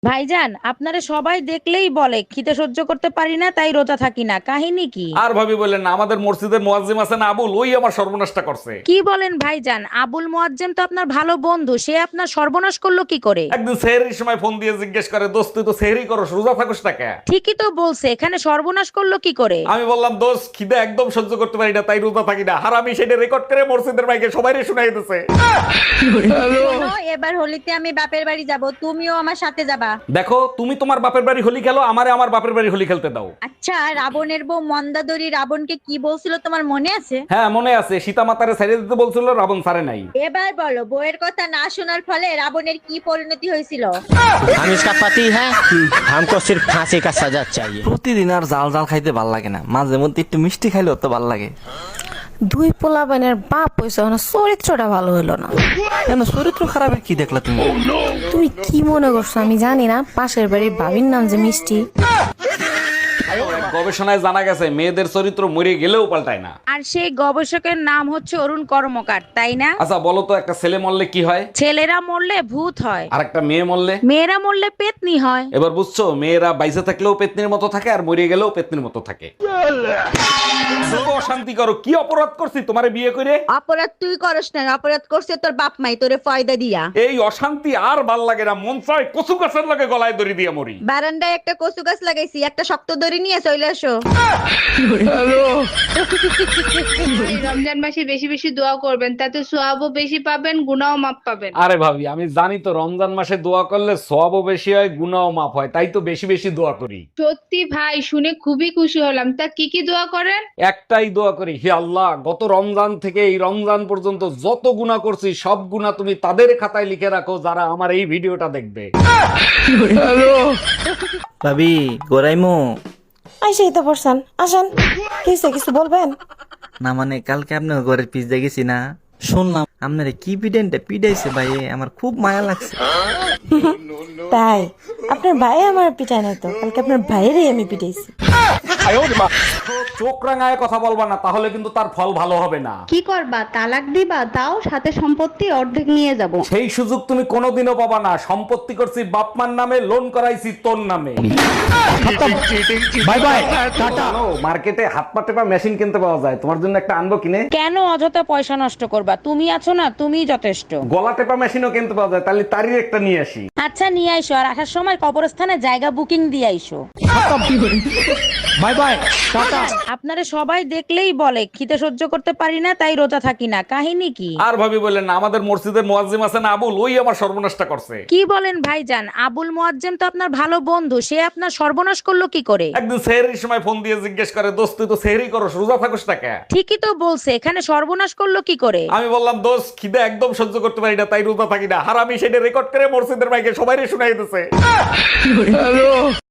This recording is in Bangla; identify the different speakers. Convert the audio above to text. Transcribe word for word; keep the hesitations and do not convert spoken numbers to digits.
Speaker 1: ভাইজান, আপনারে সবাই দেখলেই বলে খিদে সহ্য করতে পারি না তাই রোজা থাকি না, কাহিনী কি?
Speaker 2: আর ভাবি বললেন না, আমাদের মসজিদের মুয়াজ্জিম আছেন আবুল, ওই আমার সর্বনাশটা করছে।
Speaker 1: কি বলেন ভাইজান? আবুল মোয়াজ্জেম তো আপনার ভালো বন্ধু, সে আপনার সর্বনাশ করলো কি করে?
Speaker 2: একদিন সেহরির সময় ফোন দিয়ে জিজ্ঞেস করে, দোস্ত তুই তো সেহরি করস, রোজা থাকস না কেন?
Speaker 1: ঠিকই তো বলছে, এখানে সর্বনাশ করলো কি করে?
Speaker 2: আমি বললাম, দোস্ত খিদে একদম সহ্য করতে পারি না তাই রোজা থাকি না। আর আমি সেটা রেকর্ড করে মসজিদের মাইকে সবাইরে শুনাই দিতেছে।
Speaker 3: শোনো, এবার হোলিতে আমি বাপের বাড়ি যাব, তুমিও আমার সাথে যাবা।
Speaker 2: দেখো, তুমি তোমার বাপের বাড়ি হোলি খেলো, আমারে আমার বাপের বাড়ি হোলি খেলতে দাও।
Speaker 3: আচ্ছা, রাবণের বউ মন্দাদরি রাবণকে কি বলছিল তোমার মনে আছে?
Speaker 2: হ্যাঁ মনে আছে, সীতা মাতারে ছেড়ে দিতে বলছিল, রাবণ ছাড়ে নাই।
Speaker 3: এবার বলো, বউয়ের কথা না শোনার ফলে রাবণের কি পরিণতি হয়েছিল?
Speaker 4: हम इसका पति है, हमको सिर्फ फांसी का सजा चाहिए।
Speaker 5: প্রতিদিন আর জাল জাল খাইতে ভাল লাগে না, মাঝে মধ্যে একটু মিষ্টি খাইলেও তো ভাল লাগে।
Speaker 6: দুই পোলাপানের বাপ হইছে, না চরিত্রটা ভালো হইলো না।
Speaker 5: কেন, চরিত্র খারাপের কি দেখলা তুমি?
Speaker 6: তুমি কি মনে করছো আমি জানি না? পাশের বাড়ির ভাবির নাম যে মিষ্টি।
Speaker 2: এক গবেষণায় জানা গেছে মেয়েদের চরিত্র মরে গেলেও পাল্টায় না।
Speaker 1: আর সেই গবেষকের নাম হচ্ছে অরুণ কর্মকার, তাই না?
Speaker 2: আচ্ছা বলো তো, একটা ছেলে মরলে কি হয়?
Speaker 1: ছেলেরা মরলে ভূত হয়,
Speaker 2: আর একটা মেয়ে মরলে?
Speaker 1: মেয়েরা মরলে পেতনি হয়।
Speaker 2: এবার বুঝছো, মেয়েরা বাইসে থাকলেও পেতনির মতো থাকে আর মরে গেলেও পেতনির মতো থাকে। এত অশান্তি করো, কি অপরাধ করছি তোমারে বিয়ে করে?
Speaker 3: অপরাধ তুই করস না, অপরাধ করছে তোর বাপ মাই তোরে ফয়দা দিয়া।
Speaker 2: এই অশান্তি আর ভাল লাগে না, মন চায় কচু গাছের লগে গলায় দড়ি দিয়ে মরি।
Speaker 3: বারান্দায় একটা কচু গাছ লাগাইছি, একটা শক্ত দড়ি নিয়ে চলে আসো।
Speaker 7: রমজান মাসে বেশি বেশি দোয়া করবেন, তাতে সোয়াবও বেশি পাবেন, গুনাও মাপ পাবেন।
Speaker 2: আরে ভাবি, আমি জানি তো রমজান মাসে দোয়া করলে সওয়াবও বেশি হয়, গুনাহও মাফ হয়, তাই তো বেশি বেশি দোয়া করি।
Speaker 7: সত্যি ভাই, শুনে খুবই খুশি হলাম। তা কি কি দোয়া করেন?
Speaker 2: একটাই দোয়া করি, হে আল্লাহ, গত রমজান থেকে এই রমজান পর্যন্ত যত গুনাহ করছি সব গুনাহ তুমি তাদের খাতায় লিখে রাখো যারা আমার এই ভিডিওটা দেখবে।
Speaker 5: ভাবি গোরাইমু
Speaker 6: আইসেই তো পড়ছেন, আসেন। কিছু কিছু বলবেন?
Speaker 5: না মানে, কালকে আপনার ঘরের পিস দেখেছি না, শুনলাম আপনার কি পিডেন্টে পিডাইছে ভাই, আমার খুব মায়া লাগছে।
Speaker 6: তাই? আপনার ভাই আমার পিটায় না তো, কালকে আপনার ভাইয়েরই আমি পিটাইছি।
Speaker 2: চোখ রাঙায় কথা বলবা না, তাহলে কিন্তু তার ফল ভালো হবে না।
Speaker 3: কি করবা, তালাক দিবা? তাও সাথে সম্পত্তি অর্ধেক নিয়ে যাব।
Speaker 2: সেই সুযোগ তুমি কোনোদিনও পাবা না। সম্পত্তি করছি বাপমার নামে, লোন করাইছি তোর নামে। Bye bye, tata. মার্কেটে হাত পা টেপা মেশিন কিনতে পাওয়া যায়, তোমার জন্য একটা আনবো কিনে?
Speaker 1: কেন অযথা পয়সা নষ্ট করবা? তুমি আছো না, তুমিই যথেষ্ট।
Speaker 2: গলা টেপা মেশিনও কিনতে পাওয়া যায়, তাহলে তারই একটা নিয়ে আসি।
Speaker 1: আচ্ছা নিয়ে আইসো, আর আসার সময় কবরস্থানে জায়গা বুকিং দিয়ে আইসো।
Speaker 2: Bye bye, tata.
Speaker 1: আপনারে সবাই দেখলেই বলে খিদে সহ্য করতে পারি না তাই রোজা থাকি না, কাহিনী কি?
Speaker 2: আর ভাবি বললেন না, আমাদের মসজিদের মুয়াজ্জিম আছেন আবুল, ওই আমার সর্বনাশটা করছে।
Speaker 1: কি বলেন ভাইজান? আবুল মোয়াজ্জেম তো আপনার ভালো বন্ধু, সে আপনার সর্বনাশ করলো কি করে?
Speaker 2: একদিন সেহরির সময় ফোন দিয়ে জিজ্ঞেস করে, দোস্ত তুই তো সেহরি করস, রোজা থাকস না কেন?
Speaker 1: ঠিকই তো বলছে, এখানে সর্বনাশ করলো কি করে?
Speaker 2: আমি বললাম, দোস্ত খিদে একদম সহ্য করতে পারি না তাই রোজা থাকি না। আর আমি সেটা রেকর্ড করে মসজিদের মাইকে সবাইরে শুনাই দিতেছে।